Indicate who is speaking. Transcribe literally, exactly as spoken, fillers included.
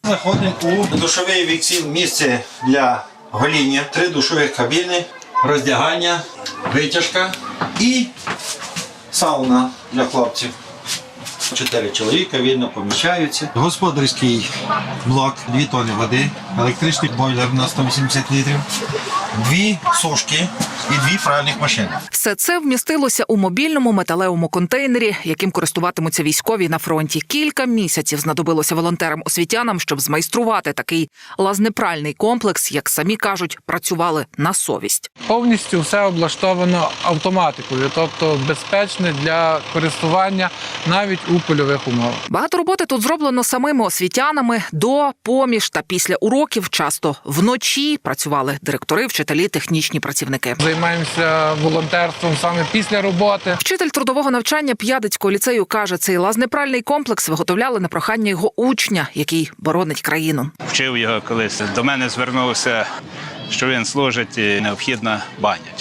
Speaker 1: Заходимо у душовий віксіл, місце для гоління, три душові кабіни, роздягання, витяжка і сауна для хлопців. Чотири чоловіка, видно, поміщаються. Господарський блок, дві тонни води, електричний бойлер на сто вісімдесят літрів, дві сушки і дві пральних машини.
Speaker 2: Все це вмістилося у мобільному металевому контейнері, яким користуватимуться військові на фронті. Кілька місяців знадобилося волонтерам-освітянам, щоб змайструвати такий лазнепральний комплекс, як самі кажуть, працювали на совість.
Speaker 3: Повністю все облаштовано автоматикою, тобто безпечне для користування навіть у польових умовах.
Speaker 2: Багато роботи тут зроблено самими освітянами. До, поміж та після уроків часто вночі працювали директори, вчителі, технічні працівники.
Speaker 3: Займаємося волонтерством саме після роботи.
Speaker 2: Вчитель трудового навчання П'ядицького ліцею каже, цей лазнепральний комплекс виготовляли на прохання його учня, який боронить країну.
Speaker 4: Вчив його колись. До мене звернувся, що він служить і необхідна баня.